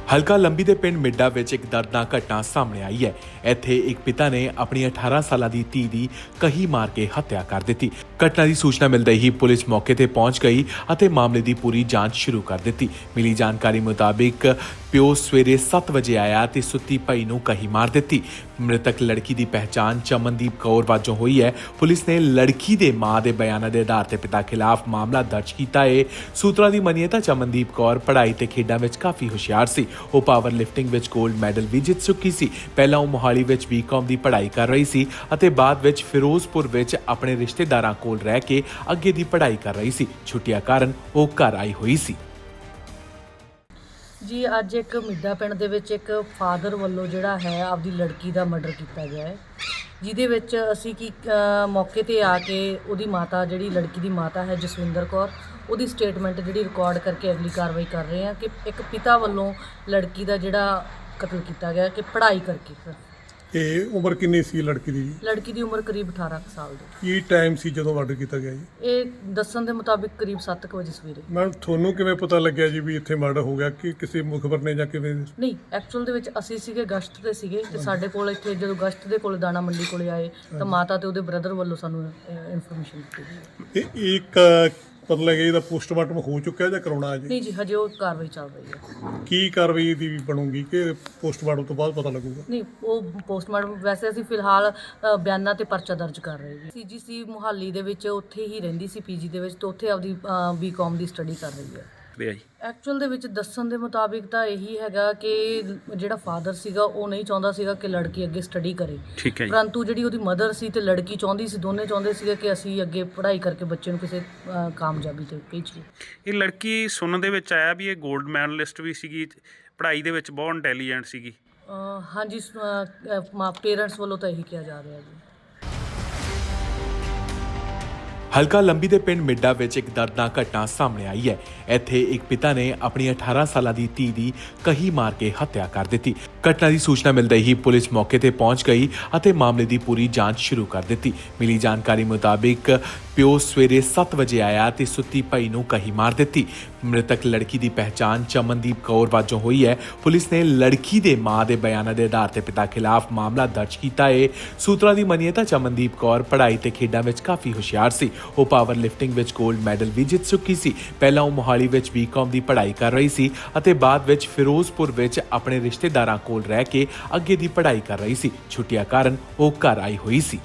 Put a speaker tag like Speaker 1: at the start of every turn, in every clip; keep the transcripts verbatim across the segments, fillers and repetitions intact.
Speaker 1: ਹਲਕਾ ਲੰਬੀ ਦੇ ਪਿੰਡ ਮਿੱਡਾ ਵਿੱਚ ਇੱਕ ਦਰਦਨਾਕ ਘਟਨਾ ਸਾਹਮਣੇ ਆਈ ਹੈ। ਇੱਥੇ ਇੱਕ ਪਿਤਾ ਨੇ ਆਪਣੀ ਅਠਾਰਾਂ ਸਾਲਾਂ ਦੀ ਧੀ ਦੀ ਕਹੀ ਮਾਰ ਕੇ ਹੱਤਿਆ ਕਰ ਦਿੱਤੀ। ਘਟਨਾ ਦੀ ਸੂਚਨਾ ਮਿਲਦੇ ਹੀ ਪੁਲਿਸ ਮੌਕੇ ਤੇ ਪਹੁੰਚ ਗਈ ਅਤੇ ਮਾਮਲੇ ਦੀ ਪੂਰੀ ਜਾਂਚ ਸ਼ੁਰੂ ਕਰ ਦਿੱਤੀ। ਮਿਲੀ ਜਾਣਕਾਰੀ ਮੁਤਾਬਿਕ ਪਿਓ ਸਵੇਰੇ ਸੱਤ ਵਜੇ ਆਇਆ ਤੇ ਸੁੱਤੀ ਪਈ ਨੂੰ ਕਹੀ ਮਾਰ ਦਿੱਤੀ। ਮ੍ਰਿਤਕ ਲੜਕੀ ਦੀ ਪਹਿਚਾਣ ਚਮਨਦੀਪ ਕੌਰ ਵਜੋਂ ਹੋਈ ਹੈ। ਪੁਲਿਸ ਨੇ ਲੜਕੀ ਦੇ ਮਾਂ ਦੇ ਬਿਆਨਾਂ ਦੇ ਆਧਾਰ ਤੇ ਪਿਤਾ ਖਿਲਾਫ ਮਾਮਲਾ ਦਰਜ ਕੀਤਾ ਹੈ। ਸੂਤਰਾਂ ਦੀ ਮੰਨੀਏ ਤਾਂ ਚਮਨਦੀਪ ਕੌਰ ਪੜ੍ਹਾਈ ਤੇ ਖੇਡਾਂ ਵਿੱਚ ਕਾਫੀ ਹੁਸ਼ਿਆਰ ਸੀ। ਉਹ ਪਾਵਰ ਲਿਫਟਿੰਗ ਵਿੱਚ 골ਡ ਮੈਡਲ ਵੀ ਜਿੱਤ ਚੁੱਕੀ ਸੀ। ਪਹਿਲਾਂ ਉਹ ਮੋਹਾਲੀ ਵਿੱਚ ਬੀਕਾਮ ਦੀ ਪੜ੍ਹਾਈ ਕਰ ਰਹੀ ਸੀ ਅਤੇ ਬਾਅਦ ਵਿੱਚ ਫਿਰੋਜ਼ਪੁਰ ਵਿੱਚ ਆਪਣੇ ਰਿਸ਼ਤੇਦਾਰਾਂ ਕੋਲ ਰਹਿ ਕੇ ਅੱਗੇ ਦੀ ਪੜ੍ਹਾਈ ਕਰ ਰਹੀ ਸੀ। ਛੁੱਟੀਆਂ ਕਾਰਨ ਉਹ ਘਰ ਆਈ ਹੋਈ ਸੀ।
Speaker 2: ਜੀ ਅੱਜ ਇੱਕ ਮਿੱਡਾ ਪਿੰਡ ਦੇ ਵਿੱਚ ਇੱਕ ਫਾਦਰ ਵੱਲੋਂ ਜਿਹੜਾ ਹੈ ਆਪਦੀ ਲੜਕੀ ਦਾ ਮਰਡਰ ਕੀਤਾ ਗਿਆ ਹੈ, ਜਿਹਦੇ ਵਿੱਚ ਅਸੀਂ ਕੀ ਮੌਕੇ ਤੇ ਆ ਕੇ ਉਹਦੀ ਮਾਤਾ ਜਿਹੜੀ ਲੜਕੀ ਦੀ ਮਾਤਾ ਹੈ ਜਸਵਿੰਦਰ ਕੌਰ, ਉਹਦੀ ਸਟੇਟਮੈਂਟ ਜਿਹੜੀ ਰਿਕਾਰਡ ਕਰਕੇ ਅਗਲੀ ਕਾਰਵਾਈ ਕਰ ਰਹੇ ਹਾਂ ਕਿ ਇੱਕ ਪਿਤਾ ਵੱਲੋਂ ਲੜਕੀ ਦਾ ਜਿਹੜਾ ਕਤਲ ਕੀਤਾ ਗਿਆ ਕਿ ਪੜ੍ਹਾਈ ਕਰਕੇ। ਸਰ
Speaker 3: ਇਹ ਉਮਰ ਕਿੰਨੀ ਸੀ ਲੜਕੀ ਦੀ?
Speaker 2: ਲੜਕੀ ਦੀ ਉਮਰ ਕਰੀਬ ਅਠਾਰਾਂ ਕੁ ਸਾਲ ਦੀ।
Speaker 3: ਕੀ ਟਾਈਮ ਸੀ ਜਦੋਂ ਮਰਡਰ ਕੀਤਾ ਗਿਆ ਜੀ?
Speaker 2: ਇਹ ਦੱਸਣ ਦੇ ਮੁਤਾਬਿਕ ਕਰੀਬ ਸੱਤ ਕੁ ਵਜੇ ਸਵੇਰੇ।
Speaker 3: ਮੈਮ ਤੁਹਾਨੂੰ ਕਿਵੇਂ ਪਤਾ ਲੱਗਿਆ ਜੀ ਵੀ ਇੱਥੇ ਮਰਡਰ ਹੋ ਗਿਆ? ਕਿ ਕਿਸੇ ਮੁਖਬਰ ਨੇ ਜਾਂ ਕਿਵੇਂ?
Speaker 2: ਨਹੀਂ, ਐਕਚੁਅਲ ਦੇ ਵਿੱਚ ਅਸੀਂ ਸੀਗੇ ਗਸ਼ਤ ਤੇ ਸੀਗੇ ਤੇ ਸਾਡੇ ਕੋਲ ਇੱਥੇ ਜਦੋਂ ਗਸ਼ਤ ਦੇ ਕੋਲ ਦਾਣਾ ਮੰਡੀ ਕੋਲੇ ਆਏ ਤਾਂ ਮਾਤਾ ਤੇ ਉਹਦੇ ਬ੍ਰਦਰ ਵੱਲੋਂ ਸਾਨੂੰ ਇਨਫੋਰਮੇਸ਼ਨ ਦਿੱਤੀ ਗਈ।
Speaker 3: ਇਹ ਇੱਕ ਪਤਾ ਲੱਗਿਆ ਇਹਦਾ ਪੋਸਟਮਾਰਟਮ ਹੋ ਚੁੱਕਿਆ ਜਾਂ ਕਰਾਉਣਾ ਹੈ ਜੀ?
Speaker 2: ਨਹੀਂ ਜੀ, ਹਜੇ ਉਹ ਕਾਰਵਾਈ ਚੱਲ ਰਹੀ ਹੈ।
Speaker 3: ਕੀ ਕਾਰਵਾਈ ਦੀ ਬਣੂਗੀ ਕਿ ਪੋਸਟਮਾਰਟਮ ਤੋਂ ਬਾਅਦ ਪਤਾ ਲੱਗੂਗਾ?
Speaker 2: ਨਹੀਂ, ਉਹ ਪੋਸਟਮਾਰਟਮ ਵੈਸੇ ਅਸੀਂ ਫਿਲਹਾਲ ਅ, ਬਿਆਨਾਂ ਤੇ ਪਰਚਾ ਦਰਜ ਕਰ ਰਹੇ ਜੀ। ਸੀਜੀਸੀ ਮੁਹਾਲੀ ਦੇ ਵਿੱਚ ਉੱਥੇ ਹੀ ਰਹਿੰਦੀ ਸੀ ਪੀਜੀ ਦੇ ਵਿੱਚ, ਤੇ ਉੱਥੇ ਆਪਦੀ ਬੀਕਾਮ ਦੀ ਸਟੱਡੀ ਕਰ ਰਹੀ ਹੈ। ਐਕਚੁਅਲ ਦੇ ਵਿੱਚ ਦੱਸਣ ਦੇ ਮੁਤਾਬਿਕ ਤਾਂ ਇਹੀ ਹੈਗਾ ਕਿ ਜਿਹੜਾ ਫਾਦਰ ਸੀਗਾ ਉਹ ਨਹੀਂ ਚਾਹੁੰਦਾ ਸੀਗਾ ਕਿ ਲੜਕੀ ਅੱਗੇ ਸਟੱਡੀ ਕਰੇ,
Speaker 4: ਠੀਕ ਹੈ ਜੀ।
Speaker 2: ਪਰੰਤੂ ਜਿਹੜੀ ਉਹਦੀ ਮਦਰ ਸੀ ਤੇ ਲੜਕੀ ਚਾਹੁੰਦੀ ਸੀ, ਦੋਨੇ ਚਾਹੁੰਦੇ ਸੀਗੇ ਕਿ ਅਸੀਂ ਅੱਗੇ ਪੜ੍ਹਾਈ ਕਰਕੇ ਬੱਚੇ ਨੂੰ ਕਿਸੇ ਅ, ਕਾਮਯਾਬੀ ਤੇ ਭੇਜੀਏ।
Speaker 4: ਇਹ ਲੜਕੀ ਸੁਣਨ ਦੇ ਵਿੱਚ ਆਇਆ ਵੀ ਇਹ 골ਡ ਮੈਡਲਿਸਟ ਵੀ ਸੀਗੀ, ਪੜ੍ਹਾਈ ਦੇ ਵਿੱਚ ਬਹੁਤ ਇੰਟੈਲੀਜੈਂਟ ਸੀਗੀ।
Speaker 2: ਅ, ਹਾਂਜੀ, ਪੇਰੈਂਟਸ ਵੱਲੋਂ ਤਾਂ ਇਹੀ ਕਿਹਾ ਜਾ ਰਿਹਾ ਜੀ।
Speaker 1: ਹਲਕਾ ਲੰਬੀ ਦੇ ਪਿੰਡ ਮਿੱਡਾ ਵਿੱਚ ਇੱਕ ਦਰਦਨਾਕ ਘਟਨਾ ਸਾਹਮਣੇ ਆਈ ਹੈ। ਇੱਥੇ ਇੱਕ ਪਿਤਾ ਨੇ ਆਪਣੀ ਅਠਾਰਾਂ ਸਾਲਾਂ ਦੀ ਧੀ ਦੀ ਕਹੀ ਮਾਰ ਕੇ ਹੱਤਿਆ ਕਰ ਦਿੱਤੀ। ਘਟਨਾ ਦੀ ਸੂਚਨਾ ਮਿਲਦੇ ਹੀ ਪੁਲਿਸ ਮੌਕੇ ਤੇ ਪਹੁੰਚ ਗਈ ਅਤੇ ਮਾਮਲੇ ਦੀ ਪੂਰੀ ਜਾਂਚ ਸ਼ੁਰੂ ਕਰ ਦਿੱਤੀ। ਮਿਲੀ ਜਾਣਕਾਰੀ ਮੁਤਾਬਿਕ ਪਿਓ ਸਵੇਰੇ ਸੱਤ ਵਜੇ ਆਇਆ ਤੇ ਸੁੱਤੀ ਪਈ ਨੂੰ ਕਹੀ ਮਾਰ ਦਿੱਤੀ। ਮ੍ਰਿਤਕ ਲੜਕੀ ਦੀ ਪਹਿਚਾਣ ਚਮਨਦੀਪ ਕੌਰ ਵਜੋਂ ਹੋਈ ਹੈ। ਪੁਲਿਸ ਨੇ ਲੜਕੀ ਦੇ ਮਾਂ ਦੇ ਬਿਆਨਾਂ ਦੇ ਆਧਾਰ ਤੇ ਪਿਤਾ ਖਿਲਾਫ ਮਾਮਲਾ ਦਰਜ ਕੀਤਾ ਹੈ। ਸੂਤਰਾਂ ਦੀ ਮੰਨੀਏ ਤਾਂ ਚਮਨਦੀਪ ਕੌਰ ਪੜ੍ਹਾਈ ਤੇ ਖੇਡਾਂ ਵਿੱਚ ਕਾਫੀ ਹੁਸ਼ਿਆਰ ਸੀ। ਉਹ ਪਾਵਰ ਲਿਫਟਿੰਗ ਵਿੱਚ 골ਡ ਮੈਡਲ ਵੀ ਜਿੱਤ ਚੁੱਕੀ ਸੀ। ਪਹਿਲਾਂ ਉਹ ਮੋਹਾਲੀ ਵਿੱਚ ਬੀਕਾਮ ਦੀ ਪੜ੍ਹਾਈ ਕਰ ਰਹੀ ਸੀ ਅਤੇ ਬਾਅਦ ਵਿੱਚ ਫਿਰੋਜ਼ਪੁਰ ਵਿੱਚ ਆਪਣੇ ਰਿਸ਼ਤੇਦਾਰਾਂ ਕੋਲ ਰਹਿ ਕੇ ਅੱਗੇ ਦੀ ਪੜ੍ਹਾਈ ਕਰ ਰਹੀ ਸੀ। ਛੁੱਟੀਆਂ ਕਾਰਨ ਉਹ ਘਰ ਆਈ ਹੋਈ ਸੀ।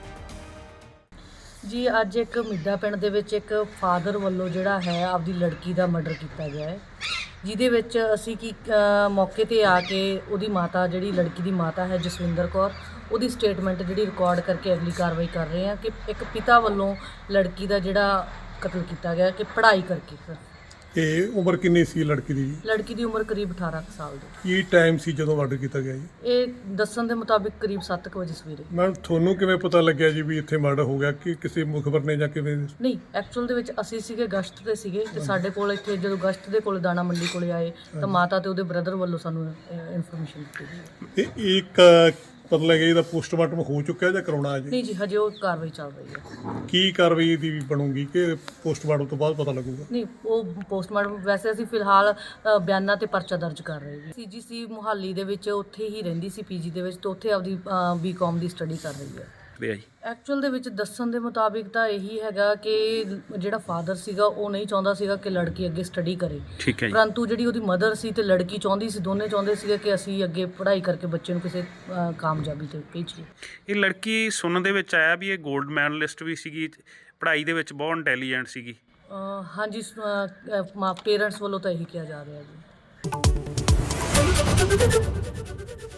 Speaker 2: ਜੀ ਅੱਜ ਇੱਕ ਮਿੱਡਾ ਪਿੰਡ ਦੇ ਵਿੱਚ ਇੱਕ ਫਾਦਰ ਵੱਲੋਂ ਜਿਹੜਾ ਹੈ ਆਪਦੀ ਲੜਕੀ ਦਾ ਮਰਡਰ ਕੀਤਾ ਗਿਆ ਹੈ, ਜਿਹਦੇ ਵਿੱਚ ਅਸੀਂ ਕੀ ਅ, ਮੌਕੇ ਤੇ ਆ ਕੇ ਉਹਦੀ ਮਾਤਾ ਜਿਹੜੀ ਲੜਕੀ ਦੀ ਮਾਤਾ ਹੈ ਜਸਵਿੰਦਰ ਕੌਰ, ਉਹਦੀ ਸਟੇਟਮੈਂਟ ਜਿਹੜੀ ਰਿਕਾਰਡ ਕਰਕੇ ਅਗਲੀ ਕਾਰਵਾਈ ਕਰ ਰਹੇ ਹਾਂ ਕਿ ਇੱਕ ਪਿਤਾ ਵੱਲੋਂ ਲੜਕੀ ਦਾ ਜਿਹੜਾ ਕਤਲ ਕੀਤਾ ਗਿਆ ਕਿ ਪੜ੍ਹਾਈ ਕਰਕੇ। ਸਰ
Speaker 3: ਇਹ ਉਮਰ ਕਿੰਨੀ ਸੀ ਲੜਕੀ ਦੀ?
Speaker 2: ਲੜਕੀ ਦੀ ਉਮਰ ਕਰੀਬ ਅਠਾਰਾਂ ਕੁ ਸਾਲ ਦੀ।
Speaker 3: ਕੀ ਟਾਈਮ ਸੀ ਜਦੋਂ ਮਰਡਰ ਕੀਤਾ ਗਿਆ ਜੀ?
Speaker 2: ਇਹ ਦੱਸਣ ਦੇ ਮੁਤਾਬਿਕ ਕਰੀਬ ਸੱਤ ਕੁ ਵਜੇ ਸਵੇਰੇ।
Speaker 3: ਮੈਮ ਤੁਹਾਨੂੰ ਕਿਵੇਂ ਪਤਾ ਲੱਗਿਆ ਜੀ ਵੀ ਇੱਥੇ ਮਰਡਰ ਹੋ ਗਿਆ? ਕਿ ਕਿਸੇ ਮੁਖਬਰ ਨੇ ਜਾਂ ਕਿਵੇਂ? ਨਹੀਂ,
Speaker 2: ਐਕਚੁਅਲ ਦੇ ਵਿੱਚ ਅਸੀਂ ਸੀਗੇ ਗਸ਼ਤ ਤੇ ਸੀਗੇ ਤੇ ਸਾਡੇ ਕੋਲ ਇੱਥੇ ਜਦੋਂ ਗਸ਼ਤ ਦੇ ਕੋਲ ਦਾਣਾ ਮੰਡੀ ਕੋਲੇ ਆਏ ਤਾਂ ਮਾਤਾ ਤੇ ਉਹਦੇ ਬ੍ਰਦਰ ਵੱਲੋਂ ਸਾਨੂੰ ਇਨਫੋਰਮੇਸ਼ਨ ਦਿੱਤੀ ਗਈ।
Speaker 3: ਇਹ ਇੱਕ ਪਤਾ ਲੱਗਿਆ ਇਹਦਾ ਪੋਸਟਮਾਰਟਮ ਹੋ ਚੁੱਕਿਆ ਜਾਂ ਕਰਾਉਣਾ ਹੈ ਜੀ?
Speaker 2: ਨਹੀਂ ਜੀ, ਹਜੇ ਉਹ ਕਾਰਵਾਈ ਚੱਲ ਰਹੀ ਹੈ।
Speaker 3: ਕੀ ਕਾਰਵਾਈ ਦੀ ਬਣੂਗੀ ਕਿ ਪੋਸਟਮਾਰਟਮ ਤੋਂ ਬਾਅਦ ਪਤਾ ਲੱਗੂਗਾ?
Speaker 2: ਨਹੀਂ, ਉਹ ਪੋਸਟਮਾਰਟਮ ਵੈਸੇ ਅਸੀਂ ਫਿਲਹਾਲ ਅ, ਬਿਆਨਾਂ ਤੇ ਪਰਚਾ ਦਰਜ ਕਰ ਰਹੇ ਜੀ। ਸੀਜੀਸੀ ਮੁਹਾਲੀ ਦੇ ਵਿੱਚ ਉੱਥੇ ਹੀ ਰਹਿੰਦੀ ਸੀ ਪੀਜੀ ਦੇ ਵਿੱਚ, ਤੇ ਉੱਥੇ ਆਪਦੀ ਬੀਕਾਮ ਦੀ ਸਟੱਡੀ ਕਰ ਰਹੀ ਹੈ। ਐਕਚੁਅਲ ਦੇ ਵਿੱਚ ਦੱਸਣ ਦੇ ਮੁਤਾਬਿਕ ਤਾਂ ਇਹੀ ਹੈਗਾ ਕਿ ਜਿਹੜਾ ਫਾਦਰ ਸੀਗਾ ਉਹ ਨਹੀਂ ਚਾਹੁੰਦਾ ਸੀਗਾ ਕਿ ਲੜਕੀ ਅੱਗੇ ਸਟੱਡੀ ਕਰੇ,
Speaker 4: ਠੀਕ ਹੈ ਜੀ।
Speaker 2: ਪਰੰਤੂ ਜਿਹੜੀ ਉਹਦੀ ਮਦਰ ਸੀ ਤੇ ਲੜਕੀ ਚਾਹੁੰਦੀ ਸੀ, ਦੋਨੇ ਚਾਹੁੰਦੇ ਸੀਗੇ ਕਿ ਅਸੀਂ ਅੱਗੇ ਪੜ੍ਹਾਈ ਕਰਕੇ ਬੱਚੇ ਨੂੰ ਕਿਸੇ ਅ, ਕਾਮਯਾਬੀ ਤੇ ਭੇਜੀਏ।
Speaker 4: ਇਹ ਲੜਕੀ ਸੁਣਨ ਦੇ ਵਿੱਚ ਆਇਆ ਵੀ ਇਹ 골ਡ ਮੈਡਲਿਸਟ ਵੀ ਸੀਗੀ, ਪੜ੍ਹਾਈ ਦੇ ਵਿੱਚ ਬਹੁਤ ਇੰਟੈਲੀਜੈਂਟ ਸੀਗੀ।
Speaker 2: ਅ, ਹਾਂਜੀ, ਪੇਰੈਂਟਸ ਵੱਲੋਂ ਤਾਂ ਇਹੀ ਕਿਹਾ ਜਾ ਰਿਹਾ ਜੀ।